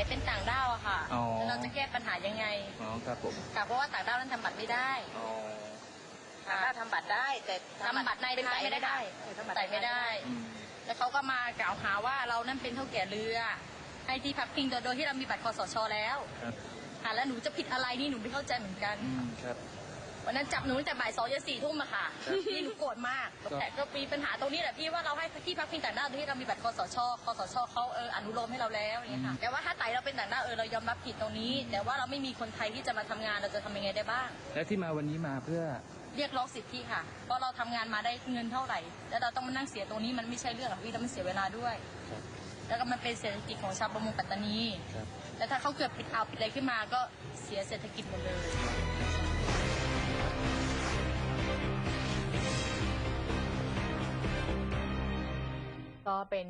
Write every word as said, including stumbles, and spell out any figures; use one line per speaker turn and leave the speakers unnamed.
เป็นต่างด้าวอะค่ะแล้วเราจะแก้ปัญหายังไง
อ๋อครับผม
ค่ะเพราะว่าต่างด้าวนั้นทำบัตรไม่ได้
อ๋อ
ต่างด้าวทำบัตรได้แต่
ทำบัตรในไทยไม่ได้ใส่ไม่ได้แล้วเขาก็มากล่าวหาว่าเรานั่นเป็นเท่าแก่เรือให้ที่พักพิงโดยที่เรามีบัตรคสชแล้วค่ะแล้วหนูจะผิดอะไรนี่หนูไม่เข้าใจเหมือนกัน
ครับ
วันนั้นจับหนูตั้งแต่บ่ายสองยันสี่ทุ่มอะค่ะพี่หนูโกรธมากแต่ก็มีปัญหาตรงนี้แหละพี่ว่าเราให้ที่พักพิงต่างด้าวโดยที่เรามีบัตรคสชคสชเขาเอออนุโลมให้เราแล้วอย่างเงี้ยค่ะแต่ว่าถ้าไต่เราเป็นต่างด้าวเออเรายอมรับผิดตรงนี้แต่ว่าเราไม่มีคนไทยที่จะมาทำงานเราจะทำยังไงได้บ้าง
และที่มาวันนี้มาเพื่อ
เรียกร้องสิทธิค่ะเพราะเราทำงานมาได้เงินเท่าไหร่แล้วเราต้องมานั่งเสียตรงนี้มันไม่ใช่เรื่องหรอกพี่แล้วมันเสียเวลาด้วยแล้วก็มันเป็นเศรษฐกิจของชาวประมงปัตตานีแล้วถ้าเขาเกิดปิดอ่าวปิดอะไรขึ้นมาก็เสียเศรษฐกิจหมดเลยก็เป็น